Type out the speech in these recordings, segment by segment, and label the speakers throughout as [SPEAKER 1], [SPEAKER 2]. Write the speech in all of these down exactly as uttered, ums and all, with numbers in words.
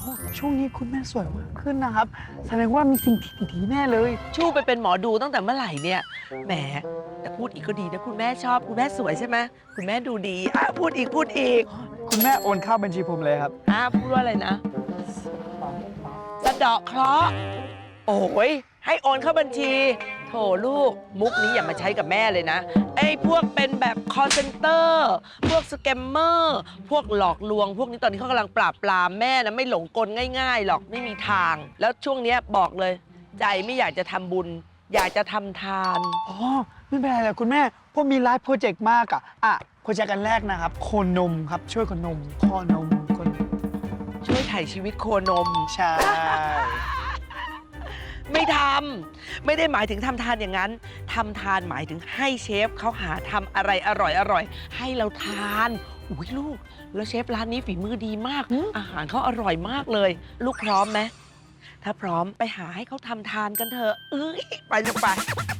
[SPEAKER 1] ช่วงนี้คุณแม่สวยมากขึ้นนะครับแสดงว่ามีสิ่งที่ดีๆแน่เลย
[SPEAKER 2] ชูไปเป็นหมอดูตั้งแต่เมื่อไหร่เนี่ยแหมแต่พูดอีกก็ดีนะคุณแม่ชอบคุณแม่สวยใช่ไหมคุณแม่ดูดีอ่ะพูดอีกพูดอีก
[SPEAKER 1] คุณแม่โอนเข้าบัญชีผมเลยครับ
[SPEAKER 2] อ่ะพูดว่าอะไรนะสะเดาะเคราะห์โอ้ยให้โอนเข้าบัญชีโถลูกมุกนี้อย่ามาใช้กับแม่เลยนะไอ้พวกเป็นแบบ call center พวกสแกมเมอร์พวกหลอกลวง พวกนี้ตอนนี้เขากำลังปราบปรามแม่นะไม่หลงกลง่ายๆหรอกไม่มีทาง แล้วช่วงเนี้ยบอกเลย ใจไม่อยากจะทำบุญ อยากจะทำทาน
[SPEAKER 1] อ๋อไม่เป็นไรเลยคุณแม่พวกมีไลฟ์โปรเจกต์มากอะอ่ะโปรเจกต์กันแรกนะครับโคนมครับช่วยคนนมพ่อนมคน
[SPEAKER 2] ช่วยถ่ายชีวิตโคนม
[SPEAKER 1] ใช่
[SPEAKER 2] ไม่ทำไม่ได้หมายถึงทำทานอย่างนั้นทำทานหมายถึงให้เชฟเขาหาทำอะไรอร่อยอร่อยให้เราทานอุ้ยลูกแล้วเชฟร้านนี้ฝีมือดีมาก อาหารเขาอร่อยมากเลย ลูกพร้อมไหมถ้าพร้อมไปหาให้เขาทำทานกันเถอะเอ้ยไปลูกไป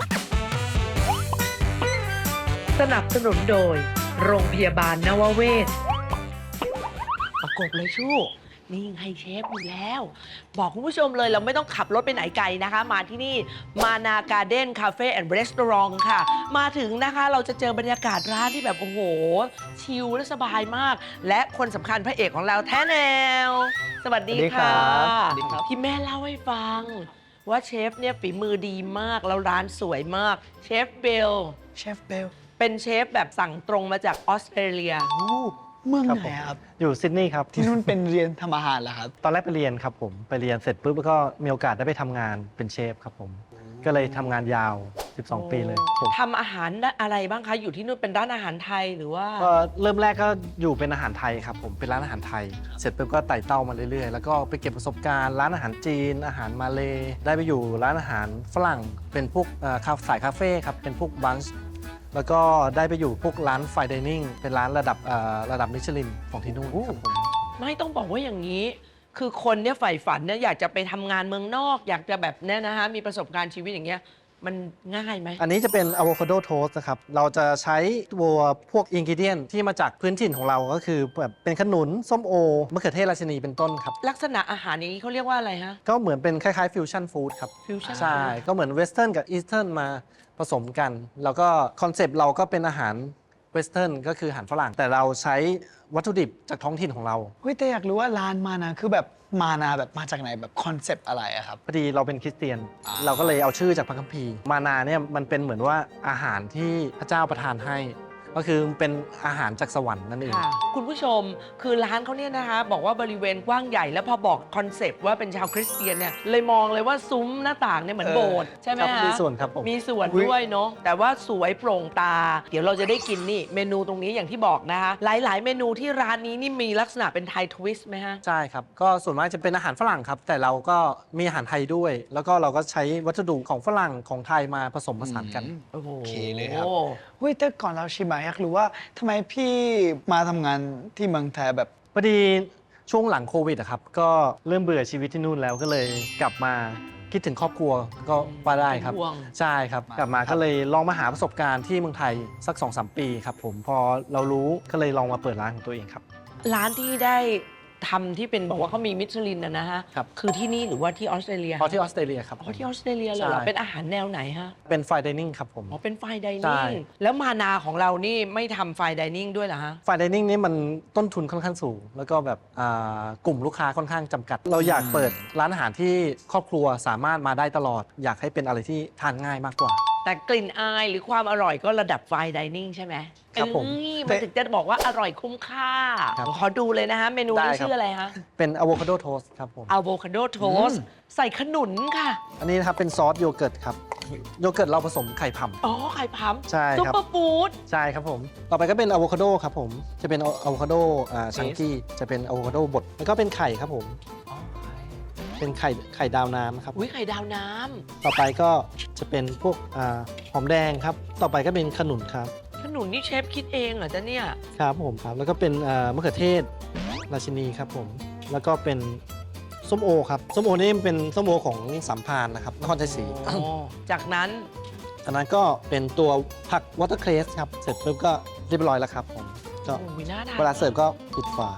[SPEAKER 2] สนับสนุนโดยโรงพยาบาลนวเวศประกบเลยชู่นี่ไงเชฟอยู่แล้ว บอกคุณผู้ชมเลยเราไม่ต้องขับรถไปไหนไกลนะคะ มาที่นี่มานาการ์เด้นคาเฟ่แอนด์รีสอร์ทค่ะ มาถึงนะคะเราจะเจอบรรยากาศร้านที่แบบโอ้โห ชิลและสบายมาก และคนสำคัญพระเอกของเราแท้แนว สวัสดีค่ะ
[SPEAKER 1] สวัสดีครับ
[SPEAKER 2] ที่แม่เล่าให้ฟัง ว่าเชฟเนี่ยฝีมือดีมาก แล้วร้านสวยมากเชฟเบล
[SPEAKER 1] เชฟเบล
[SPEAKER 2] เป็นเชฟแบบสั่งตรงมาจากออสเตรเลีย
[SPEAKER 1] โอ้เมือง
[SPEAKER 3] ครับ
[SPEAKER 1] ไหน
[SPEAKER 3] ผม
[SPEAKER 1] ครับ
[SPEAKER 3] อยู่ซิดนีย์ครับ
[SPEAKER 1] ที่นู่นเป็นเรียนทำอาหารเหรอครับ
[SPEAKER 3] ตอนแรกไปเรียนครับผมไปเรียนเสร็จปุ๊บแล้วก็มีโอกาสได้ไปทำงานเป็นเชฟครับผมก็เลยทำงานยาว สิบสอง ปีเลยผม
[SPEAKER 2] ทำอาหารอะไรบ้างคะ อยู่ที่นู่นเป็นร้านอาหารไทยหรือว่า
[SPEAKER 3] ก็เริ่มแรกก็อยู่เป็นอาหารไทยครับผมเป็นร้านอาหารไทย เสร็จปุ๊บก็ไต่เต้ามาเรื่อยๆ แล้วก็ไปเก็บประสบการณ์ร้านอาหารจีน อาหารมาเลย์ได้ไปอยู่ร้านอาหารฝรั่งเป็นพวกเอ่อคาสายคาเฟ่ครับเป็นพวกบันช์แล้วก็ได้ไปอยู่พวกร้านไฟดิเนิ่งเป็นร้านระดับเอ่อระดับมิชลินของที่นู่นครับผม
[SPEAKER 2] ไม่ต้องบอกว่าอย่างนี้ คือคนเนี่ยใฝ่ฝันเนี่ยอยากจะไปทำงานเมืองนอก อยากจะแบบเนี้ยนะคะมีประสบการณ์ชีวิตอย่างเงี้ยมันง่ายไหม
[SPEAKER 3] อันนี้จะเป็นอะโวคาโดโทสต์นะครับ เราจะใช้ตัวพวกอินกิเดียนที่มาจากพื้นถิ่นของเราก็คือแบบเป็นขนุน ส้มโอ มะเขือเทศราชินีเป็นต้นครับ
[SPEAKER 2] ลักษณะอาหารอย่างนี้เขาเรียกว่าอะไรฮะ
[SPEAKER 3] ก็เหมือนเป็นคล้ายๆฟิวชั่นฟู้ดครับ
[SPEAKER 2] Fusion
[SPEAKER 3] ใช่ ก็เหมือนเวสเทิร์นกับอีสเทิร์นมาผสมกัน แล้วก็คอนเซปต์เราก็เป็นอาหารเวสเทิร์นก็คืออาหารฝรั่ง แต่เราใช้วัตถุดิบจากท้องถิ่นของเรา
[SPEAKER 1] เฮ้ยแต่อยากรู้ว่าร้านมานะคือแบบมานาแบบมาจากไหนแบบคอนเซปต์อะไรอะครับ
[SPEAKER 3] พอดีเราเป็นคริสเตียน
[SPEAKER 1] อ่า
[SPEAKER 3] เราก็เลยเอาชื่อจากพระคัมภีร์ มานาเนี่ยมันเป็นเหมือนว่าอาหารที่พระเจ้าประทานให้ ก็คือเป็นอาหารจากสวรรค์นั่นเอง
[SPEAKER 2] ค่ะ คุณผู้ชมคือร้านเขาเนี่ยนะคะ บอกว่าบริเวณกว้างใหญ่แล้วพอบอกคอนเซปต์ว่าเป็นชาวคริสเตียนเนี่ยเลยมองเลยว่าซุ้มหน้าต่างเนี่ยเหมือน
[SPEAKER 1] เออ
[SPEAKER 2] โบสถ์ใช่ไหม
[SPEAKER 3] ครับ
[SPEAKER 2] ฮะ
[SPEAKER 3] มีส่วนครับผม
[SPEAKER 2] มีส่วน
[SPEAKER 1] อุ๊ย
[SPEAKER 2] ด้วยเนาะแต่ว่าสวยโปร่งตา เดี๋ยวเราจะได้กินนี่เมนูตรงนี้อย่างที่บอกนะคะ หลาย ๆ เมนูที่ร้านนี้นี่มีลักษณะเป็นไทยทวิสต์ไหมฮะ
[SPEAKER 3] ใช่ครับ ก็ส่วนมากจะเป็นอาหารฝรั่งครับ แต่เราก็มีอาหารไทยด้วย แล้วก็เราก็ใช้วัสดุของฝรั่งของไทยมาผสมผสานกัน
[SPEAKER 2] โอ้โห
[SPEAKER 1] โอเคเลยครับ เฮ้ยแต่ก่อนเราชิมอะอยากรู้ว่าทำไมพี่มาทำงานที่เมืองไทยแบบ
[SPEAKER 3] พอดีช่วงหลังโควิดอะครับ ก็เริ่มเบื่อชีวิตที่นู่นแล้วก็เลยกลับมาคิดถึงครอบครัวก็ว่าได้ครับ
[SPEAKER 2] เป็นห่วง
[SPEAKER 3] ใช่ครับ กลับมาก็เลยลองมาหาประสบการณ์ที่เมืองไทยสัก สองสาม ปีครับผม พอเรารู้ก็เลยลองมาเปิดร้านของตัวเองครับ
[SPEAKER 2] ร้านที่ได้ทำที่เป็นบอกว่าเขามีมิชลินนะนะฮะ
[SPEAKER 3] ครับ
[SPEAKER 2] คือที่นี่หรือว่าที่ออสเตรเลีย
[SPEAKER 3] พอที่ออสเตรเลียครับ
[SPEAKER 2] อ๋อที่ออสเตรเลียเลยเหรอ
[SPEAKER 3] ใช่
[SPEAKER 2] เป็นอาหารแนวไหนฮะ
[SPEAKER 3] เป็นไฟดิเนิ่งครับผม
[SPEAKER 2] อ๋อเป็นไฟได
[SPEAKER 3] ใช่
[SPEAKER 2] นิ่งแล้วมานาของเรานี่ไม่ทำไฟไดนิ่งด้วยเหรอฮะ
[SPEAKER 3] ไฟดิเนิ่งนี่มันต้นทุนค่อนข้างสูง แล้วก็แบบอ่ากลุ่มลูกค้าค่อนข้างจำกัด เราอยากเปิดร้านอาหารที่ครอบครัวสามารถมาได้ตลอด อยากให้เป็นอะไรที่ทานง่ายมากกว่า
[SPEAKER 2] แต่กลิ่นอายหรือความอร่อยก็ระดับไฟไดนิ่งใช่ไหม
[SPEAKER 3] ครับผม
[SPEAKER 2] เอ้ยมันถึงจะบอกว่าอร่อยคุ้มค่า
[SPEAKER 3] ครับ
[SPEAKER 2] ขอดูเลยนะฮะ เมนู
[SPEAKER 3] ได้
[SPEAKER 2] นี้
[SPEAKER 3] ครับ
[SPEAKER 2] ชื่ออะไรฮะ
[SPEAKER 3] เป็นอะโวคาโดโทสต์ครับผม
[SPEAKER 2] อะโวคาโดโทสใส่ขนุนค่ะ
[SPEAKER 3] อันนี้นะครับเป็นซอสโยเกิร์ตครับ โยเกิร์ตเราผสมไข่ผำ
[SPEAKER 2] อ๋อ ไข่พัม
[SPEAKER 3] ใช่
[SPEAKER 2] ซุป
[SPEAKER 3] ครับ
[SPEAKER 2] เปอร์ฟู้ด
[SPEAKER 3] ใช่ครับผม ต่อไปก็เป็นอะโวคาโดครับผม จะเป็นอะโวคาโดอ่าชังกี้ จะเป็นอะโวคาโดบด แล้วก็เป็นไข่ครับผม เป็นไข่ไข่ดาวน้ำครับ
[SPEAKER 2] อุ้ยไข่ดาวน้
[SPEAKER 3] ต่อไปก็จะเป็นพวกอ่าหอมแดงครับ ต่อไปก็เป็นขนุนครับ
[SPEAKER 2] ำขนุนนี่เชฟคิดเองเหรอจ๊ะเนี่ย
[SPEAKER 3] ครับผมครับ แล้วก็เป็นอ่ามะเขือเทศราชินีครับผม แล้วก็เป็นส้มโอครับ ส้มโอนี่เป็นส้มโอของสัมพานนะครับนครชัยศรี
[SPEAKER 2] อ๋อ จากนั้น
[SPEAKER 3] อันนั้นก็เป็นตัวผักวอเตอร์เครสครับ เสร็จปุ๊บก็เรียบร้อยแล้วครับผม ก็
[SPEAKER 2] โอ้ยน่าทาน
[SPEAKER 3] เวลาเสิร์ฟก็ปิดฝา ท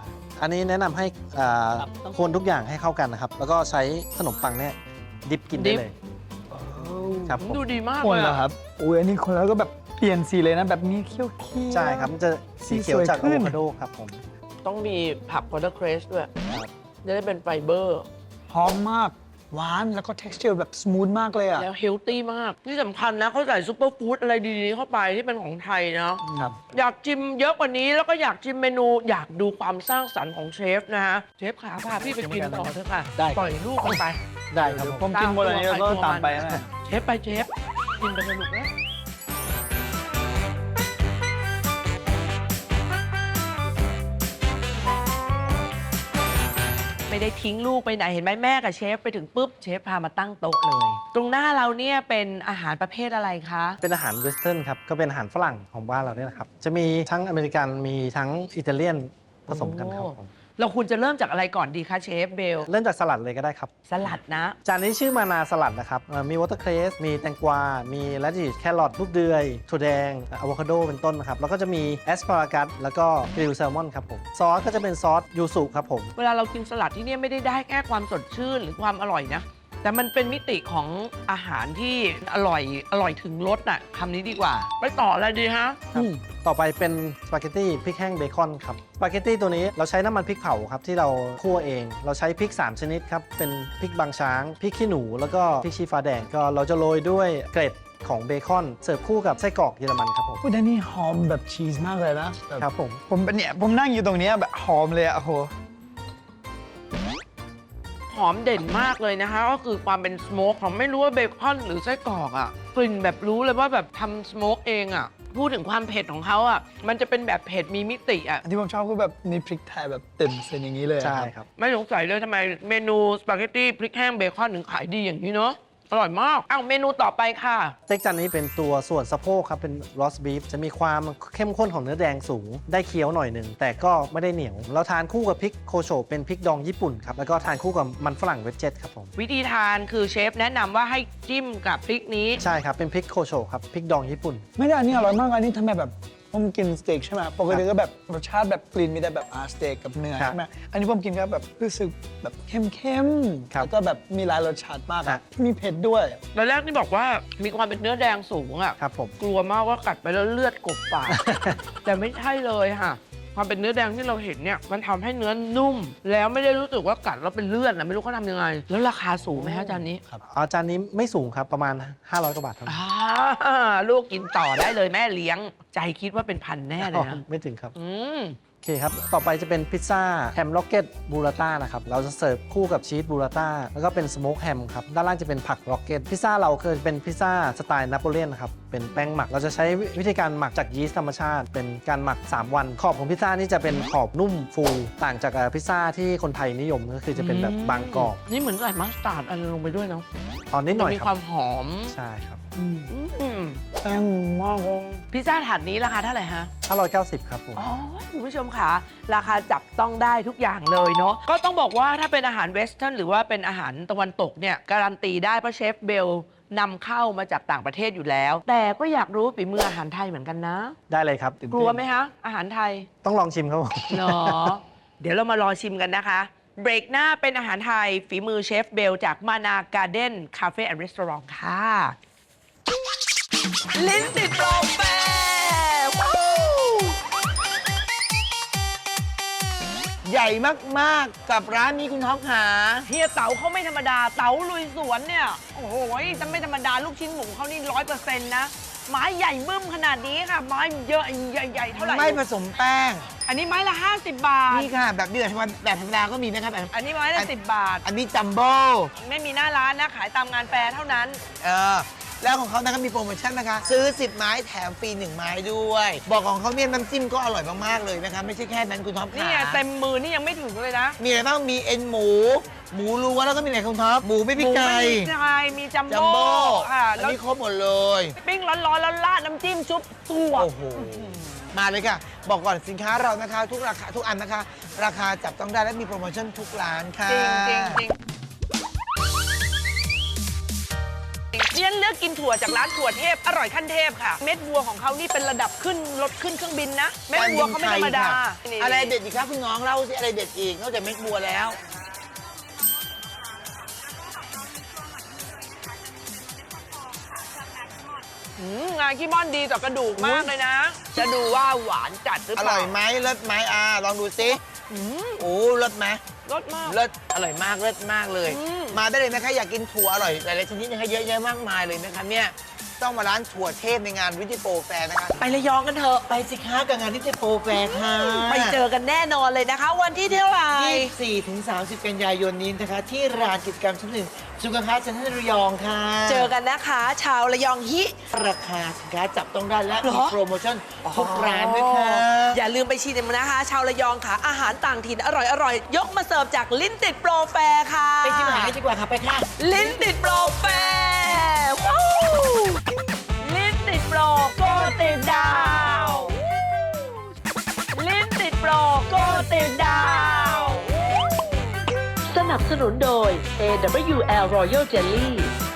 [SPEAKER 3] อันนี้แนะนำให้อ่า
[SPEAKER 2] ครับต้อง
[SPEAKER 3] คนทุกอย่างให้เข้ากันนะครับ แล้วก็ใช้ขนมปังเนี่ยดิบกิน
[SPEAKER 2] ดิ
[SPEAKER 3] ได้
[SPEAKER 2] บ
[SPEAKER 3] เลย ครับผม
[SPEAKER 2] ดูดีมาก
[SPEAKER 1] คน
[SPEAKER 2] เลย
[SPEAKER 1] เหรอ
[SPEAKER 2] อะ
[SPEAKER 1] ครับอุ้ยอันนี้คนแล้วก็แบบเปลี่ยนสีเลยนะแบบนี้เขียวๆ
[SPEAKER 3] ใช่ครับ มันจะสีเขียวจาก
[SPEAKER 1] สีสวยขึ้
[SPEAKER 3] อะ
[SPEAKER 1] น
[SPEAKER 3] โวคาโดครับผม
[SPEAKER 2] ต้องมีผักวอเตอร์เครสด้วยจะได้เป็นไฟเบอร์
[SPEAKER 1] หอมมาก หวานแล้วก็ texture แบบ smooth มากเลยอ่ะ
[SPEAKER 2] แล้วเฮลตี้มาก ที่สำคัญนะเขาใส่ซูเปอร์ฟู้ดอะไรดีๆเข้าไปที่เป็นของไทยเนาะ
[SPEAKER 3] ครับ
[SPEAKER 2] อยากชิมเยอะกว่านี้แล้วก็อยากชิมเมนูอยากดูความสร้างสรรค์ของเชฟนะฮะ เชฟขาพาพี่ไปกินต่อเถอะค่ะ
[SPEAKER 3] ได้
[SPEAKER 2] ปล่อยลูกมันไป
[SPEAKER 3] ได้ครับผม
[SPEAKER 1] ผมกินหมดอันนี้แล้วก็ตามไปนะ
[SPEAKER 2] เชฟไปเชฟกินไปสนุกแล้วไม่ได้ทิ้งลูกไปไหนเห็นไหมแม่กับเชฟไปถึงปุ๊บเชฟพามาตั้งโต๊ะเลย ตรงหน้าเราเนี่ยเป็นอาหารประเภทอะไรคะ
[SPEAKER 3] เป็นอาหารเวสเทิร์นครับ ก็เป็นอาหารฝรั่งของบ้านเราเนี่ยนะครับ จะมีทั้งอเมริกันมีทั้งอิตาเลียนผสมกันครับผม
[SPEAKER 2] เราควรจะเริ่มจากอะไรก่อนดีคะเชฟเบล
[SPEAKER 3] เริ่มจากสลัดเลยก็ได้ครับ
[SPEAKER 2] สลัดนะ
[SPEAKER 3] จานนี้ชื่อมานาสลัดนะครับเอ่อมีวอเตอร์เครส มีแตงกวา มีแรดดิชแครอทลูกเดือยถั่วแดงอะโวคาโดเป็นต้นนะครับ แล้วก็จะมีแอสพารากัสแล้วก็กริลแซลมอนครับผม ซอสก็จะเป็นซอสยูสุครับผม
[SPEAKER 2] เวลาเรากินสลัดที่เนี่ยไม่ได้ได้แค่ความสดชื่นหรือความอร่อยนะ แต่มันเป็นมิติของอาหารที่อร่อยอร่อยถึงรสน่ะคำนี้ดีกว่า ไปต่ออะไรดีฮะ
[SPEAKER 3] ครับต่อไปเป็นสปาเกตตี้พริกแห้งเบคอนครับสปาเกตตี้ตัวนี้เราใช้น้ำมันพริกเผาครับที่เราคั่วเอง เราใช้พริก สาม ชนิดครับ เป็นพริกบางช้าง พริกขี้หนู แล้วก็พริกชี้ฟ้าแดง ก็เราจะโรยด้วยเกล็ดของเบคอนเสิร์ฟคู่กับไส้กรอกเยอรมันครับผม
[SPEAKER 1] พูดได้นี่หอมแบบชีสมากเลยนะแบบ
[SPEAKER 3] ครับผม
[SPEAKER 1] ผมเป็นเนี่ยผมนั่งอยู่ตรงเนี้ยแบบหอมเลยอะโอ้โห
[SPEAKER 2] หอมเด่นมากเลยนะคะ ก็คือความเป็นสโมกของไม่รู้ว่าเบคอนหรือไส้กรอกอะกลิ่นแบบรู้เลยว่าแบบทำสโมกเองอะพูดถึงความเผ็ดของเขาอะมันจะเป็นแบบเผ็ดมีมิติอะ
[SPEAKER 1] อันที่ผมชอบคือแบบนี่พริกไทยแบบเต็มเส้นอย่างนี้เลยอะ
[SPEAKER 3] ใช่ครับ
[SPEAKER 2] ไม่สงสัยเลยทำไมเมนูสปาเกตตี้พริกแห้งเบคอนถึงขายดีอย่างนี้เนาะอร่อยมากอ้าวเมนูต่อไปค่ะ
[SPEAKER 3] สเต็กจานนี้เป็นตัวส่วนสะโพกครับ เป็นรอสบีฟจะมีความเข้มข้นของเนื้อแดงสูง ได้เคี้ยวหน่อยหนึ่ง แต่ก็ไม่ได้เหนียว เราทานคู่กับพริกโคโชเป็นพริกดองญี่ปุ่นครับ แล้วก็ทานคู่กับมันฝรั่งเวจเจ็ตครับผม
[SPEAKER 2] วิธีทานคือเชฟแนะนำว่าให้จิ้มกับพริกนี้
[SPEAKER 3] ใช่ครับ เป็นพริกโคโชครับ พริกดองญี่ปุ่น
[SPEAKER 1] ไม่ได้อันนี้อร่อยมากอันนี้ทำไมแบบผมกินสเต็กใช่ไหมปกติก็แบบรสชาติแบบกลิ่นมีแต่แบบอาสเต็กกับเนื้อ
[SPEAKER 3] ครับ
[SPEAKER 1] ใช่ไหมอันนี้ผมกินก็แบบรู้สึกแบบเข้มๆ
[SPEAKER 3] ครับ
[SPEAKER 1] แล้วก็แบบมีหลายรสชาติมาก
[SPEAKER 3] ครั
[SPEAKER 1] อะ
[SPEAKER 3] บ
[SPEAKER 1] มีเผ็ดด้วย
[SPEAKER 2] ตอนแรกนี่บอกว่ามีความเป็นเนื้อแดงสูงอะ
[SPEAKER 3] ครับผม
[SPEAKER 2] กลัวมากว่ากัดไปแล้วเลือดกบปาก แต่ไม่ใช่เลยค่ะ ความเป็นเนื้อแดงที่เราเห็นเนี่ยมันทำให้เนื้อนุ่ม แล้วไม่ได้รู้สึกว่ากัดแล้วเป็นเลือดนะไม่รู้เขาทำยังไง แล้วราคาสูงไหมคะจานนี้
[SPEAKER 3] อาจานนี้ไม่สูงครับ ประมาณ ห้าร้อย กว่าบาทเท่านั้น
[SPEAKER 2] อ่าลูกกินต่อได้เลยแม่เลี้ยง ใจคิดว่าเป็นพันแน่เลยนะ
[SPEAKER 3] ไม่ถึงครับ
[SPEAKER 2] อืม
[SPEAKER 3] โอเคครับ ต่อไปจะเป็นพิซซ่าแฮมล็อกเก็ตบูราต้านะครับ เราจะเสิร์ฟคู่กับชีสบูราต้าแล้วก็เป็นสโมกแฮมครับ ด้านล่างจะเป็นผักล็อกเก็ต พิซซ่าเราคือเป็นพิซซ่าสไตล์นโปเลียนนะครับ เป็นแป้งหมัก เราจะใช้วิธีการหมักจากยีสต์ธรรมชาติ เป็นการหมัก สาม วัน ขอบของพิซซ่านี่จะเป็นขอบนุ่มฟู ต่างจากเอ่อพิซซ่าที่คนไทยนิยมก็คือจะเป็นแบบบางกรอบ
[SPEAKER 2] นี่เหมือนใส่มัสตาร์ดอะไรลงไปด้วยเนาะ
[SPEAKER 3] ตอนนิดหน่อย
[SPEAKER 2] มี
[SPEAKER 3] ค
[SPEAKER 2] ค
[SPEAKER 3] รั
[SPEAKER 2] วา
[SPEAKER 3] บ
[SPEAKER 2] มหอม
[SPEAKER 3] ใช่ครับ
[SPEAKER 2] อืม
[SPEAKER 1] แป้งมากเลย
[SPEAKER 2] พิซซ่าถาดนี้ราคาเท่าไหร่ฮะ
[SPEAKER 3] ห้าร้อยเก้าสิบครับผม
[SPEAKER 2] อ๋อคุณผู้ชมค่ะ ราคาจับต้องได้ทุกอย่างเลยเนาะก็ต้องบอกว่าถ้าเป็นอาหารเวสเทิร์นหรือว่าเป็นอาหารตะวันตกเนี่ยการันตีได้เพราะเชฟเบลนำเข้ามาจากต่างประเทศอยู่แล้ว แต่ก็อยากรู้ฝีมืออาหารไทยเหมือนกันนะ
[SPEAKER 3] ได้เลยครับ
[SPEAKER 2] กลัวไหมคะ อาหารไทย
[SPEAKER 3] ต้องลองชิมครับผม
[SPEAKER 2] เนาะ เดี๋ยวเรามารอชิมกันนะคะ เบรกหน้าเป็นอาหารไทย ฝีมือเชฟเบลจากมานาการ์เด้นคาเฟ่แอนด์รีสอร์ทค่ะ ลิ้นติดโปรแฟร์ว้าว
[SPEAKER 1] ใหญ่มากๆกับร้านนี้คุณท็อปหา
[SPEAKER 2] เฮียเต๋าเขาไม่ธรรมดา เต๋าลุยสวนเนี่ย โอ้โหจะไม่ธรรมดาลูกชิ้นหมูเขานี่ร้อยเปอร์เซ็นต์นะ ไม้ใหญ่บึ้มขนาดนี้ค่ะ ไม้เยอะใหญ่ๆเท่าไหร่
[SPEAKER 4] ไม่ผสมแป้ง
[SPEAKER 2] อันนี้ไม้ละ ห้าสิบบาท
[SPEAKER 4] นี่ค่ะ แบบนี้แบบธรรมดาแบบธรรมดาก็มีนะครับแบบ
[SPEAKER 2] อันนี้ไม้ละสิบบาท
[SPEAKER 4] อันนี้จัมโบ้
[SPEAKER 2] ไม่มีหน้าร้านนะ ขายตามงานแฟร์เท่านั้น
[SPEAKER 4] เออแล้วของเขานะครับมีโปรโมชั่นนะคะ ซื้อ สิบ ไม้แถมฟรี หนึ่ง ไม้ด้วย บอกของเขาเนี่ยน้ำจิ้มก็อร่อยมาก ๆ เลยนะคะ ไม่ใช่แค่นั้นคุณท็อป
[SPEAKER 2] นี่
[SPEAKER 4] ค่ะ
[SPEAKER 2] ไงเต็มมือนี่ยังไม่ถึงเลยนะ
[SPEAKER 4] มีอะไรบ้างมีเอ็นหมู หมูล้วนแล้วก็มีอะไรคุณท็อปหมูไม่
[SPEAKER 2] ห
[SPEAKER 4] พริก
[SPEAKER 2] มู
[SPEAKER 4] ไก่
[SPEAKER 2] ไม่มีไก่มีจัม
[SPEAKER 4] จัม
[SPEAKER 2] โบ้
[SPEAKER 4] โบ้
[SPEAKER 2] ค่ะ
[SPEAKER 4] อัน
[SPEAKER 2] แล้ว
[SPEAKER 4] นี้ครบหมดเลย
[SPEAKER 2] ปิ้งร้อนๆแล้วราดน้ำจิ้มชุบตัว
[SPEAKER 4] โอ้โห มาเลยค่ะ บอกก่อนสินค้าเรานะคะ ทุกราคาทุกอันนะคะ ราคาจับต้องได้และมีโปรโมชั่นทุกร้านค่ะ
[SPEAKER 2] จริงจริงจริงเรียนเลือกกินถั่วจากร้านถั่วเทพอร่อยขั้นเทพค่ะ เม็ดบัวของเขานี่เป็นระดับขึ้นรถขึ้นเครื่องบินนะ เม็ดบัวเขาไม่ธรรมดานี่
[SPEAKER 4] อะไรเด็ดอีกครับคุณน้องเล่าสิอะไรเด็ดอีกนอกจากเม็ดบัวแล้ว
[SPEAKER 2] อืมงานขี้ม่อนดีต่อกระดูกมากเลยนะ จะดูว่าหวานจัดหรือ
[SPEAKER 4] อ
[SPEAKER 2] เป
[SPEAKER 4] ร่
[SPEAKER 2] ล่า
[SPEAKER 4] อยไหมเลิศไหมอ่าลองดูสิ
[SPEAKER 2] อืม
[SPEAKER 4] โอ้เลิศไหม
[SPEAKER 2] รสมาก
[SPEAKER 4] เลิศอร่อยมากเลิศมากเลย
[SPEAKER 2] อืม
[SPEAKER 4] มาได้เลยนะคะอยากกินถั่วอร่อยหลายๆชนิดนะคะเยอะแยะมากมายเลยนะคะเนี่ยต้องมาร้านถั่วเทพในงานวิจิโปรแฟร์นะคะ
[SPEAKER 2] ไประยองกันเถอะ
[SPEAKER 4] ไปสิคะกับงานวิจิโปรแฟร์ค่ะ
[SPEAKER 2] ไปเจอกันแน่นอนเลยนะคะ วันที่เท่าไหร่
[SPEAKER 4] ยี่สิบสี่ถึงสามสิบกันยายนนี้นะคะ ที่ร้านกิจกรรมชั้นหนึ่งสุขภาพเซ็นทรัลระยองค่ะ
[SPEAKER 2] เจอกันนะคะ ชาวระยองฮิ
[SPEAKER 4] ราคาสินค้าจับต้องได้และ
[SPEAKER 2] เหร
[SPEAKER 4] มี
[SPEAKER 2] อ
[SPEAKER 4] โปรโมชั่นทุกร้านด้วยค่ะ
[SPEAKER 2] อย่าลืมไปชิมนะคะ ชาวระยองค่ะ อาหารต่างถิ่นอร่อยๆ ยกมาเสิร์ฟจากลิ้นติดโปรแฟร์ค่ะ
[SPEAKER 4] ไปชิมอาหารกันดีกว่าค่ะไปค่ะ
[SPEAKER 2] ลิ้นติดโปรแฟร์ว้าวลิ้นติดโปรโกติดดาว ลิ้นติดโปรโกติดดาว สนับสนุนโดย เอ ดับเบิลยู แอล Royal Jelly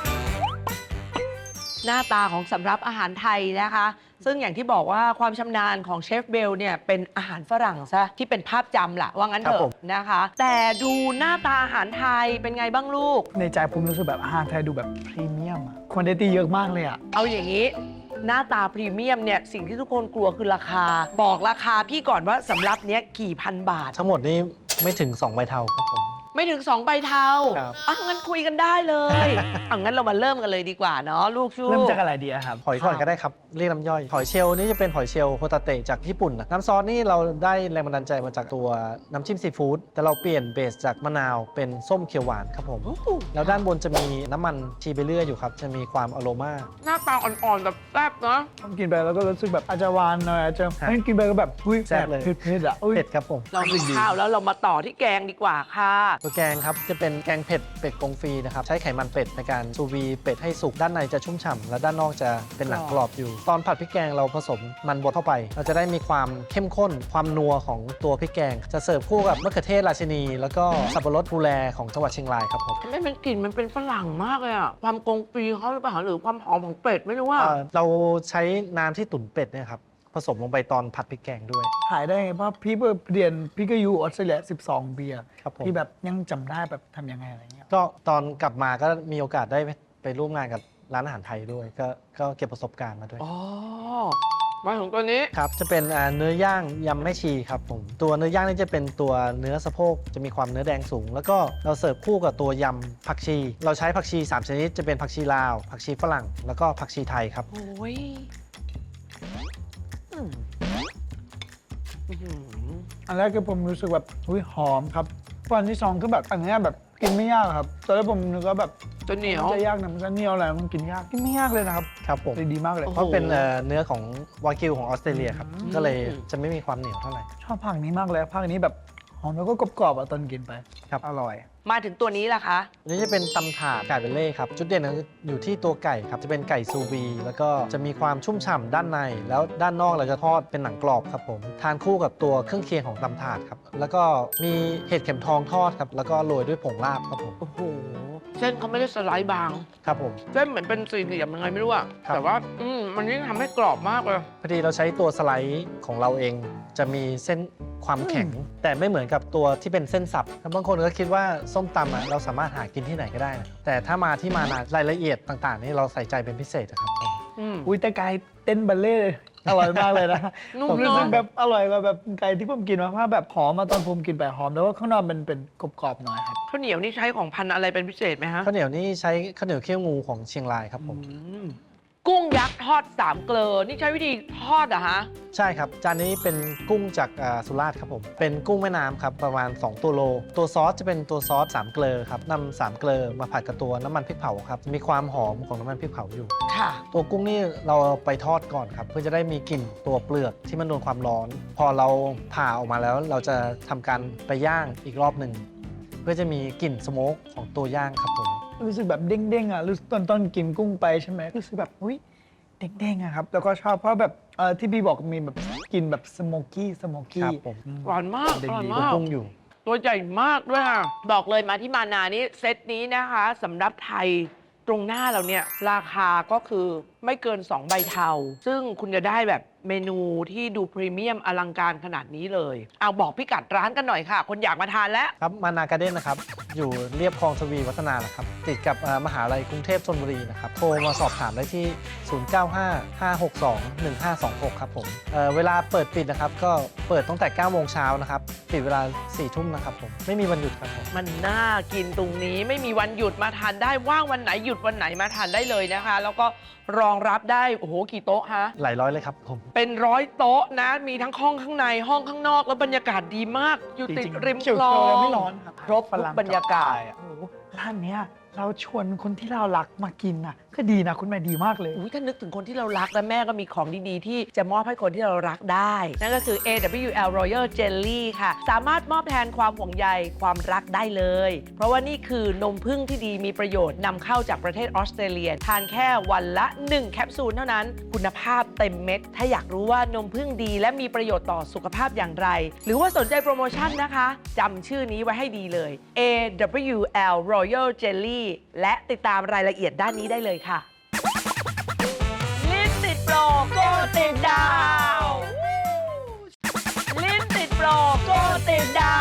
[SPEAKER 2] หน้าตาของสำรับอาหารไทยนะคะ ซึ่งอย่างที่บอกว่าความชำนาญของเชฟเบลเนี่ยเป็นอาหารฝรั่งซะที่เป็นภาพจำล่ะว่างั้นเถ
[SPEAKER 3] ครับผ
[SPEAKER 2] อะ
[SPEAKER 3] ม
[SPEAKER 2] นะคะ แต่ดูหน้าตาอาหารไทยเป็นไงบ้างลูก
[SPEAKER 1] ในใจผมรู้สึกแบบอาหารไทยดูแบบพรีเมียมอะควอนเดตี้เยอะมากเลยอะ
[SPEAKER 2] เอาอย่างนี้ หน้าตาพรีเมียมเนี่ยสิ่งที่ทุกคนกลัวคือราคา บอกราคาพี่ก่อนว่าสำรับเนี้ยกี่พันบาท
[SPEAKER 3] ทั้งหมดนี้ไม่ถึงสองใบเทาครับผม
[SPEAKER 2] ไม่ถึงสองใบเทา
[SPEAKER 3] ครับ
[SPEAKER 2] อ่ะงั้นคุยกันได้เลยอ่ะงั้นเรามาเริ่มกันเลยดีกว่าเนาะลูกชู
[SPEAKER 1] เริ่มจากอะไรดีอะครับ
[SPEAKER 3] หอยก่อนก็ได้ครับ เรียกน้ำย่อย หอยเชลล์นี่จะเป็นหอยเชลล์โฮตาเตะจากญี่ปุ่นนะน้ำซอสนี่เราได้แรงบันดาลใจมาจากตัวน้ำจิ้มซีฟู้ดแต่เราเปลี่ยนเบสจากมะนาวเป็นส้มเขียวหวานครับผม
[SPEAKER 2] โอ้โห
[SPEAKER 3] แล้วด้านบนจะมีน้ำมันชีเบเรื่อยอยู่ครับ จะมีความอโรมา
[SPEAKER 2] หน้าตาอ่อนๆแบบแซ่บเนาะ
[SPEAKER 1] ผมกินไปแล้วก็รู้สึกแบบอาจจะหวานหน่อยอาจจะ
[SPEAKER 3] ฮะ
[SPEAKER 1] ไม่กินไปก็แบบอุ้ย
[SPEAKER 3] แซ่บเลย
[SPEAKER 1] เผ็ดๆอะอุ้ย
[SPEAKER 3] เผ็ดครับผม
[SPEAKER 2] เรากินข้าวแล้วเรามาต่อที่แกงดีกว่าค่ะ
[SPEAKER 3] ตัวแกงครับจะเป็นแกงเผ็ดเป็ดกงฟรีนะครับใช้ไขมันเป็ดในการซูวีเป็ดให้สุกด้านในจะชุ่มฉ่ำและด้านนอกจะเป็นหนังกรอบอยู่ ตอนผัดพริกแกงเราผสมมันบดเข้าไป เราจะได้มีความเข้มข้นความนัวของตัวพริกแกง จะเสิร์ฟคู่กับมะเขือเทศราชินี แล้วก็สับปะรดภูแลของจังหวัดเชียงรายครับผม
[SPEAKER 2] ทำไมมันกลิ่นมันเป็นฝรั่งมากเลยอะความกงฟรีเขาหรือเปล่าหรือความหอมของเป็ดไม่รู้ว่า
[SPEAKER 3] เอ่อเราใช้น้ำที่ตุ๋นเป็ดเนี่ยครับผสมลงไปตอนผัดพริกแกงด้วย
[SPEAKER 1] ขายได้ไงเพราะพี่เรียนพี่ก็อยู่ออสเตรเลียสิบสองปีอะ
[SPEAKER 3] ครับผม
[SPEAKER 1] พี่แบบยังจำได้แบบทำยังไงอะไรเงี้ย
[SPEAKER 3] ก็ตอนกลับมาก็มีโอกาสได้ไปไปร่วมงานกับร้านอาหารไทยด้วย ก็ก็เก็บประสบการณ์มาด้วย
[SPEAKER 2] อ๋อ มาถึงตัวนี้
[SPEAKER 3] ครับ จะเป็นอ่าเนื้อย่างยำแม่ชีครับผม ตัวเนื้อย่างนี่จะเป็นตัวเนื้อสะโพก จะมีความเนื้อแดงสูง แล้วก็เราเสิร์ฟคู่กับตัวยำผักชี เราใช้ผักชีสามชนิด จะเป็นผักชีลาว ผักชีฝรั่ง แล้วก็ผักชีไทยครับ
[SPEAKER 2] โอ้ยอืมอื้อหือ
[SPEAKER 1] อันแรกคือผมรู้สึกแบบอุ้ยหอมครับวันที่สองคือแบบอันเนี้ยแบบกินไม่ยากครับตอนแรกผมนึกว่าแบบ
[SPEAKER 2] จะเหนียว
[SPEAKER 1] มันจะยากนะมันจะเหนียวอะไรมันกินยากกินไม่ยากเลยนะครับ
[SPEAKER 3] ครับผม
[SPEAKER 1] เลยดีมากเลย
[SPEAKER 2] โอ้โห
[SPEAKER 3] เพราะเป็นเอ่อเนื้อของวากิวของออสเตรเลียครับ
[SPEAKER 1] อืม
[SPEAKER 3] ก็เลยจะไม่มีความเหนียวเท่าไหร่
[SPEAKER 1] ชอบภาคนี้มากเลยภาคนี้แบบหอมแล้วก็กรอบๆอ่ะตอนกินไป
[SPEAKER 3] ครับ
[SPEAKER 1] อร่อย
[SPEAKER 2] มาถึงตัวนี้ล่ะคะ
[SPEAKER 3] อันนี้จะเป็นตำถาดไก่เบลเล่ครับ จุดเด่นอยู่ที่ตัวไก่ครับ จะเป็นไก่ซูวี แล้วก็จะมีความชุ่มฉ่ำด้านใน แล้วด้านนอกเราจะทอดเป็นหนังกรอบครับผม ทานคู่กับตัวเครื่องเคียงของตำถาดครับ แล้วก็มีเห็ดเข็มทองทอดครับ แล้วก็โรยด้วยผงลาบครับผม
[SPEAKER 2] โอ้โห เส้นเขาไม่ได้สไลด์บาง
[SPEAKER 3] ครับผม
[SPEAKER 2] เส้นเหมือนเป็นสี่เหลี่ยมยังไงไม่รู้อะ
[SPEAKER 3] ครับ
[SPEAKER 2] แต่ว่า อืมมันยิ่งทำให้กรอบมากเลย
[SPEAKER 3] พอดีเราใช้ตัวสไลด์ของเราเอง จะมีเส้นความแข็ง แต่ไม่เหมือนกับตัวที่เป็นเส้นสับบางคนก็คิดว่าส้มตำอะเราสามารถหากินที่ไหนก็ได้นะแต่ถ้ามาที่มานารายละเอียดต่างๆ นี่เราใส่ใจเป็นพิเศษนะครับผม
[SPEAKER 2] อืม
[SPEAKER 1] อุ้ยแต่ไก่เต้นบัลเล่ต์เลยอร่อยมากเลยนะ
[SPEAKER 2] นุ่ม
[SPEAKER 1] ผมรู้สึก
[SPEAKER 2] เนอะ
[SPEAKER 1] แบบอร่อยกว่าแบบไก่ที่ผมกินมาเพราะแบบหอมมาตอนผมกินไปหอมแต่ว่าข้างนอกมันเป็นกรอบๆหน่อยครับ
[SPEAKER 2] ข้าวเหนียวนี่ใช้ของพันธุ์อะไรเป็นพิเศษไหมฮะ
[SPEAKER 3] ข้าวเหนียวนี่ใช้ข้าวเหนียวเขี้ยวงูของเชียงรายครับผม
[SPEAKER 2] อืมกุ้งยักษ์ทอดสามเกลอ นี่ใช้วิธีทอดเหรอะฮะ
[SPEAKER 3] ใช่ครับ จานนี้เป็นกุ้งจากอ่าสุราษฎร์ครับผม เป็นกุ้งแม่น้ำครับ ประมาณ สอง ตัวโล ตัวซอสจะเป็นตัวซอสสามเกลอครับนำสามเกลอมาผัดกับตัวน้ำมันพริกเผาครับ มีความหอมของน้ำมันพริกเผาอยู่
[SPEAKER 2] ค่ะ
[SPEAKER 3] ตัวกุ้งนี่เราไปทอดก่อนครับ เพื่อจะได้มีกลิ่นตัวเปลือกที่มันโดนความร้อน พอเราผ่าออกมาแล้วเราจะทำการไปย่างอีกรอบหนึ่งเพื่อจะมีกลิ่นสโมกของตัวย่างครับผม
[SPEAKER 1] รู้สึกแบบเด้งๆอ่ะรู้สึกตอนตอนกินกุ้งไปใช่ไหมรู้สึกแบบอุ้ยเด้งๆอะครับแล้วก็ชอบเพราะแบบเออที่พี่บอกมีแบบกินแบบสโมกี้สโม
[SPEAKER 3] ค
[SPEAKER 1] กี้
[SPEAKER 3] รับผม
[SPEAKER 2] หวานมากอร่อย
[SPEAKER 3] ตัว
[SPEAKER 2] มาก
[SPEAKER 3] กุ้งอยู่
[SPEAKER 2] ตัวใหญ่มากด้วยค่ะ บอกเลยมาที่มานานี้เซตนี้นะคะสำหรับไทยตรงหน้าเราเนี่ยราคาก็คือไม่เกิน สอง ใบเทาซึ่งคุณจะได้แบบเมนูที่ดูพรีเมียมอลังการขนาดนี้เลยเอาบอกพิกัดร้านกันหน่อยค่ะ คนอยากมาทานแล้ว
[SPEAKER 3] ครับมานาการ์เด้นนะครับ อยู่เรียบคลองทวีวัฒนานะครับ ติดกับเอ่อมหาลัยกรุงเทพธนบุรีนะครับ โทรมาสอบถามได้ที่ ศูนย์ เก้า ห้า ห้า หก สอง หนึ่ง ห้า สอง หก ครับผมเอ่อเวลาเปิดปิดนะครับ ก็เปิดตั้งแต่ เก้า โมงเช้านะครับ ปิดเวลา สี่ ทุ่มนะครับผม ไม่มีวันหยุดครับผม
[SPEAKER 2] มันน่ากินตรงนี้ไม่มีวันหยุดมาทานได้ว่างวันไหนหยุดวันไหนมาทานได้เลยนะคะ แล้วก็รองรับได้โอ้โหกี่โต๊ะฮะ
[SPEAKER 3] หลายร้อยเลยครับผม
[SPEAKER 2] เป็นร้อยโต๊ะนะ มีทั้งห้องข้างในห้องข้างนอกแล้วบรรยากาศดีมาก อยู่ติด
[SPEAKER 1] จริงๆ
[SPEAKER 2] ริม
[SPEAKER 1] เขียว
[SPEAKER 2] คลอ
[SPEAKER 1] ๆแล้ว
[SPEAKER 2] ง
[SPEAKER 1] ไม่ร้อนครับ
[SPEAKER 2] ครบทุกบรรยากาศ
[SPEAKER 1] โอ้โหร้านเนี้ยเราชวนคนที่เรารักมากินน่ะก็ดีนะคุณแม่ดีมากเลย
[SPEAKER 2] อุ๊ยถ้านึกถึงคนที่เรารักแล้วแม่ก็มีของดีๆ ที่จะมอบให้คนที่เรารักได้ นั่นก็คือ เอ ดับเบิลยู แอล Royal Jelly ค่ะ สามารถมอบแทนความห่วงใยความรักได้เลย เพราะว่านี่คือนมผึ้งที่ดีมีประโยชน์นำเข้าจากประเทศออสเตรเลีย ทานแค่วันละ หนึ่ง แคปซูลเท่านั้น คุณภาพเต็มเม็ด ถ้าอยากรู้ว่านมผึ้งดีและมีประโยชน์ต่อสุขภาพอย่างไร หรือว่าสนใจโปรโมชั่นนะคะจำชื่อนี้ไว้ให้ดีเลย เอ ดับเบิลยู แอล Royal Jelly และติดตามรายละเอียดด้านนี้ได้เลยค่ะ ลิ้นติดโปรโกติดดาว ลิ้นติดโปรโกติดดาว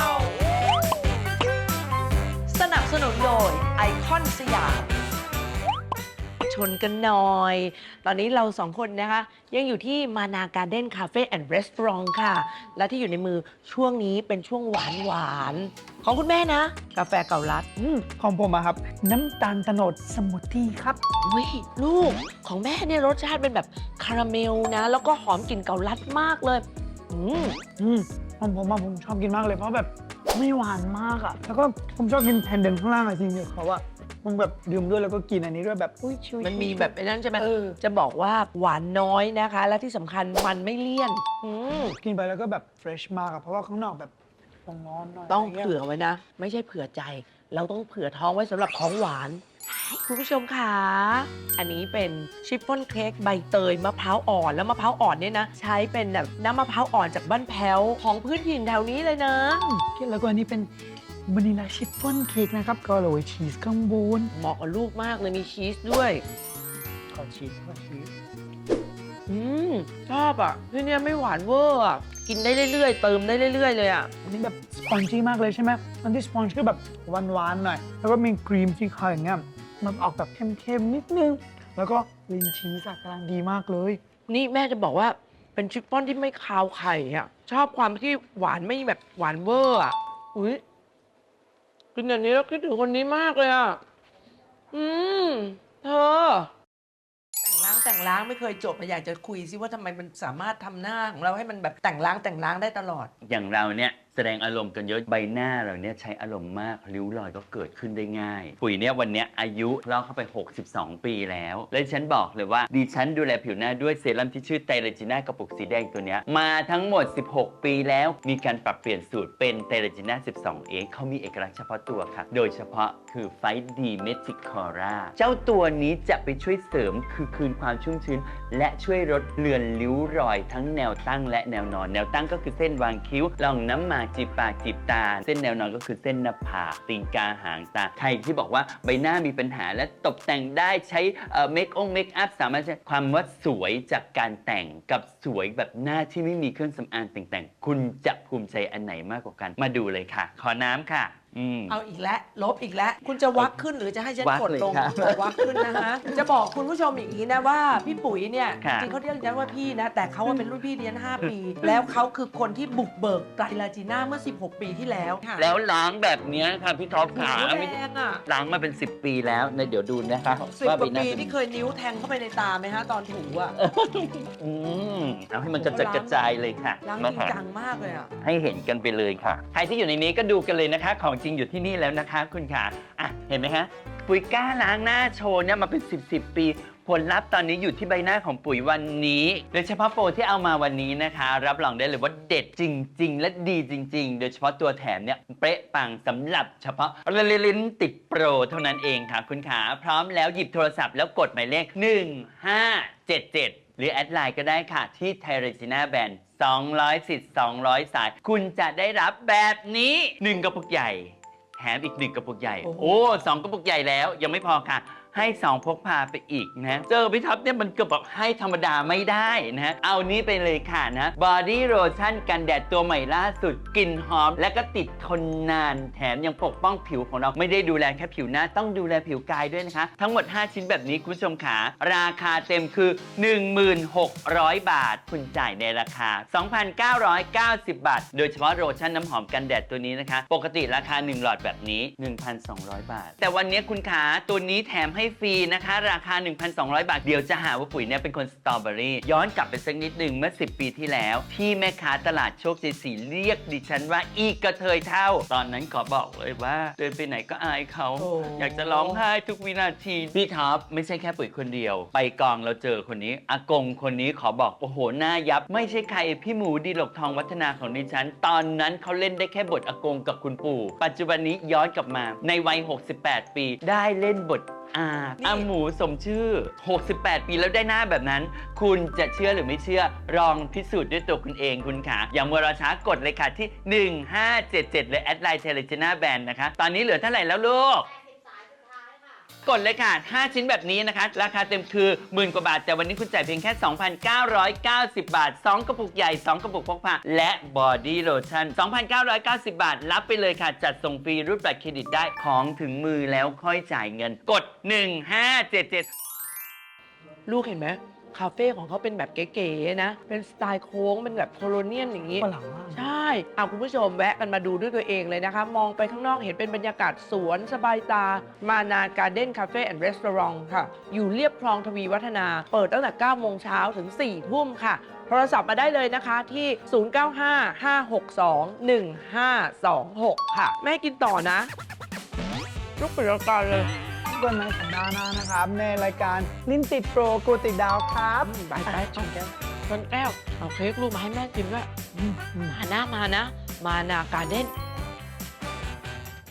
[SPEAKER 2] สนับสนุนโดยไอคอนสยามชนกันหน่อย ตอนนี้เราสองคนนะคะ ยังอยู่ที่มานาการ์เด้นคาเฟ่แอนด์รีสอร์ทค่ะ และที่อยู่ในมือช่วงนี้เป็นช่วงหวานหวานๆของคุณแม่นะ กาแฟเก่าลัด
[SPEAKER 1] อืมของผมอะครับ น้ำตาลโตนดสมูทตี้ครับ
[SPEAKER 2] อุ้ยลูกของแม่เนี่ยรสชาติเป็นแบบคาราเมลนะ แล้วก็หอมกลิ่นเกาลัดมากเลยอืม
[SPEAKER 1] อืมของผมอะผมชอบกินมากเลยเพราะแบบไม่หวานมากอะแล้วก็ผมชอบกินแผ่นเดนข้างล่างอะจริงๆเขาอะผมแบบดื่มด้วยแล้วก็กินอันนี้ด้วยแบบอุ้ยชิวๆ
[SPEAKER 2] มันมีแบบไอ้นั้นใช่ไหม
[SPEAKER 1] เออ
[SPEAKER 2] จะบอกว่าหวานน้อยนะคะ และที่สำคัญมันไม่เลี่ยนอืม
[SPEAKER 1] กินไปแล้วก็แบบเฟรชมากอะเพราะว่าข้างนอกแบบร้อนๆหน่อย
[SPEAKER 2] ต้อง
[SPEAKER 1] ะไรงี้ย
[SPEAKER 2] เผื่อไว้นะ ไม่ใช่เผื่อใจ เราต้องเผื่อท้องไว้สำหรับของหวาน คุณผู้ชมค่ะ อันนี้เป็นชิฟฟ่อนเค้กใบเตยมะพร้าวอ่อน แล้วมะพร้าวอ่อนเนี่ยนะ ใช้เป็นแบบน้ำมะพร้าวอ่อนจากบ้านแพ้วของพื้นถิ่นแถวนี้เลยนะ
[SPEAKER 1] แล้วก็อันนี้เป็นวานิลาชิฟฟ่อนเค้กนะครับ ก็โรยชีสข้างบน
[SPEAKER 2] เหมาะกับลูกมากเลยมีชีสด้วย
[SPEAKER 1] ขอชีสขอชีส
[SPEAKER 2] อืมชอบอ่ะที่เนี่ยไม่หวานเวอร์อ่ะกินได้เรื่อยๆ เติมได้เรื่อยๆเลยอ่ะ
[SPEAKER 1] อันนี้แบบสปอนจี้มากเลยใช่ไหมอันที่สปอนจี้ก็แบบหวานๆหน่อย แล้วก็มีครีมที่เขาอย่างเงี้ยมันออกแบบเค็มๆนิดนึง แล้วก็ลินชีสอะกำลังดีมากเลย
[SPEAKER 2] นี่แม่จะบอกว่าเป็นชิฟฟ่อนที่ไม่คาวไข่อ่ะชอบความที่หวานไม่แบบหวานเวอร์อ่ะอุ้ยกินอย่างนี้แล้วคิดถึงคนนี้มากเลยอ่ะอืมเธอ แต่งล้างแต่งล้างไม่เคยจบมาอยากจะคุยซิว่าทำไมมันสามารถทำหน้าของเราให้มันแบบแต่งล้างแต่งล้างได้ตลอด
[SPEAKER 5] อย่างเราเนี่ยแสดงอารมณ์กันเยอะใบหน้าเราเนี่ยใช้อารมณ์มากริ้วรอยก็เกิดขึ้นได้ง่าย ปุ๋ยเนี่ยวันเนี้ยอายุเล่าเข้าไป หกสิบสอง ปีแล้ว และฉันบอกเลยว่าดิฉันดูแลผิวหน้าด้วยเซรั่มที่ชื่อไตรจีน่ากระปุกสีแดงตัวเนี้ยมาทั้งหมด สิบหก ปีแล้วมีการปรับเปลี่ยนสูตรเป็นไตรจีน่า สิบสอง เอ เขามีเอกลักษณ์เฉพาะตัวค่ะโดยเฉพาะคือไฟดีเมจิคอร่าเจ้าตัวนี้จะไปช่วยเสริมคือคืนความชุ่มชื้นและช่วยลดเลือนริ้วรอยทั้งแนวตั้งและแนวนอนแนวตั้งก็คือเส้นวางคิ้วล่องน้ำหมากจีบปากจีบตาเส้นแนวนอนก็คือเส้นหน้าผากตีนกาหางตาใครที่บอกว่าใบหน้ามีปัญหาและตกแต่งได้ใช้เมคองเมคอัพสามารถใช้ความว่าสวยจากการแต่งกับสวยแบบหน้าที่ไม่มีเครื่องสำอางแต่งๆคุณจะภูมิใจอันไหนมากกว่ากันมาดูเลยค่ะขอน้ำค่ะอืม
[SPEAKER 2] เอาอีกแล้วลบอีกแล้ว คุณจะวักขึ้นหรือจะให้ฉัน
[SPEAKER 5] วัก
[SPEAKER 2] กด
[SPEAKER 5] เลย
[SPEAKER 2] ลง
[SPEAKER 5] ค่ะ
[SPEAKER 2] วักขึ้นนะฮะ จะบอกคุณผู้ชมอย่างนี้นะว่าพี่ปุ๋ยเนี่ย
[SPEAKER 5] ค่ะ
[SPEAKER 2] จริงๆเขาเรียกฉันว่าพี่นะ แต่เขาว่าเป็นรุ่นพี่เรียนห้าปี แล้วเขาคือคนที่บุกเบิกไตรลาจีน่าเมื่อ สิบหก ปีที่แล้วค่ะ
[SPEAKER 5] แล้วล้างแบบเนี้ยค่ะพี่ท็อปขา
[SPEAKER 2] โอ้โห
[SPEAKER 5] ไม่
[SPEAKER 2] แรงอ่ะ
[SPEAKER 5] ล้างมาเป็น สิบ ปีแล้วนะเดี๋ยวดูนะคะ
[SPEAKER 2] สิบ
[SPEAKER 5] ว่า
[SPEAKER 2] กว่า
[SPEAKER 5] ใบหน้า
[SPEAKER 2] ปี
[SPEAKER 5] เป็น
[SPEAKER 2] ที่เคยนิ้วแทงเข้าไปในตาไหมฮะตอนถูอ่ะ
[SPEAKER 5] อืมเอาให้มันกระจัดกระจายเลยค่ะ
[SPEAKER 2] ล้างจ
[SPEAKER 5] มา
[SPEAKER 2] ริง
[SPEAKER 5] ค่ะ
[SPEAKER 2] จังมากเลยอ่ะ
[SPEAKER 5] ให้เห็นกันไปเลยค่ะ ใครที่อยู่ในนี้ก็ดูกันเลยนะคะ ของจริงอยู่ที่นี่แล้วนะคะคุณค่ะอ่ะ เห็นไหมคะปุ๋ยกล้าล้างหน้าโชว์เนี่ยมาเป็น สิบ สิบ ปี ผลลัพธ์ตอนนี้อยู่ที่ใบหน้าของปุ๋ยวันนี้โดยเฉพาะโปรที่เอามาวันนี้นะคะ รับรองได้เลยว่าเด็ดจริง ๆ และดีจริง ๆ โดยเฉพาะตัวแถมเนี่ยเป๊ะปังสำหรับเฉพาะลิ้นติดโปรเท่านั้นเองค่ะคุณขาพร้อมแล้วหยิบโทรศัพท์แล้วกดหมายเลขหนึ่งห้าเจ็ดเจ็ดหรือแอดไลน์ก็ได้ค่ะที่ไทยเรจิน่าแบรนด์สองร้อยสิทธิ์สองร้อยสายคุณจะได้รับแบบนี้หนึ่งกระปุกใหญ่แถมอีกหนึ่งกระปุกใหญ่
[SPEAKER 2] โอ้โห
[SPEAKER 5] โอ้สองกระปุกใหญ่แล้วยังไม่พอค่ะให้สองพกพาไปอีกนะเจอพี่ท็อปเนี่ยมันเกือบแบบให้ธรรมดาไม่ได้นะฮะเอานี้ไปเลยค่ะนะบอดี้โลชั่นกันแดดตัวใหม่ล่าสุดกลิ่นหอมและก็ติดทนนานแถมยังปกป้องผิวของเราไม่ได้ดูแลแค่ผิวหน้าต้องดูแลผิวกายด้วยนะคะทั้งหมดห้าชิ้นแบบนี้คุณผู้ชมขาราคาเต็มคือ หนึ่งหมื่นหกร้อย บาทคุณจ่ายในราคา สองพันเก้าร้อยเก้าสิบ บาทโดยเฉพาะโลชั่นน้ำหอมกันแดดตัวนี้นะคะปกติราคาหนึ่งหลอดแบบนี้ หนึ่งพันสองร้อย บาทแต่วันนี้คุณขาตัวนี้แถมให้ฟรีนะคะราคา หนึ่งพันสองร้อย บาทเดี๋ยวจะหาว่าปุ๋ยเนี่ยเป็นคนสตรอเบอรี่ย้อนกลับไปสักนิดหนึ่งเมื่อสิบปีที่แล้วที่แม่ค้าตลาดโชคชัยศรีเรียกดิฉันว่าอีกระเทยเท่าตอนนั้นขอบอกเลยว่าเดินไปไหนก็อายเขา
[SPEAKER 2] โอ้
[SPEAKER 5] อยากจะร้องไห้ทุกวินาทีพี่ท็อปไม่ใช่แค่ปุ๋ยคนเดียวไปกองเราเจอคนนี้อากงคนนี้ขอบอกโอ้โหหน้ายับไม่ใช่ใครพี่หมูดีหลกทองวัฒนาของดิฉันตอนนั้นเขาเล่นได้แค่บทอากงกับคุณปู่ปัจจุบันนี้ย้อนกลับมาในวัยหกสิบแปดปีได้เล่นบทอาอาหมูสมชื่อหกสิบแปดปีแล้วได้หน้าแบบนั้น คุณจะเชื่อหรือไม่เชื่อลองพิสูจน์ด้วยตัวคุณเองคุณค่ะอย่างมัวรอช้ากดเลยค่ะที่หนึ่งห้าเจ็ดเจ็ดเลยแอดไลน์เทเลจนาแบนนะคะตอนนี้เหลือเท่าไหร่แล้วลูกกดเลยค่ะห้าชิ้นแบบนี้นะคะราคาเต็มคือหมื่นกว่าบาทแต่วันนี้คุณจ่ายเพียงแค่ สองพันเก้าร้อยเก้าสิบ บาทสองกระปุกใหญ่สองกระปุกพกพาและบอดี้โลชั่น สองพันเก้าร้อยเก้าสิบ บาทรับไปเลยค่ะจัดส่งฟรีรูดบัตรเครดิตได้ของถึงมือแล้วค่อยจ่ายเงินกดหนึ่งห้าเจ็ดเจ็ด
[SPEAKER 2] ลูกเห็นไหมคาเฟ่ของเขาเป็นแบบเก๋ๆนะ เป็นสไตล์โค้งเป็นแบบโคโลเนียลอย่างนี้
[SPEAKER 1] ฝรั่งมาก
[SPEAKER 2] ใช่เอาคุณผู้ชมแวะกันมาดูด้วยตัวเองเลยนะคะ มองไปข้างนอกเห็นเป็นบรรยากาศสวนสบายตา มานาการ์เด้นคาเฟ่แอนด์รีสอร์ทค่ะ อยู่เรียบคลองทวีวัฒนา เปิดตั้งแต่เก้าโมงเช้าถึงสี่ทุ่มค่ะ โทรศัพท์มาได้เลยนะคะที่ ศูนย์ เก้า ห้า ห้า หก สอง หนึ่ง ห้า สอง หก ค่ะ แม่กินต่อนะลูกปิดรายการเลย
[SPEAKER 1] กันในสัปดาห์หน้านะครับ ในรายการลิ้นติดโปรกูติดดาวครับ
[SPEAKER 2] ไปไปชนแก้วชนแก้ว เอาเค้กลูกมาให้แม่กินด้วย
[SPEAKER 1] อืมอืม
[SPEAKER 2] มานะมานะ มานาการ์เด้น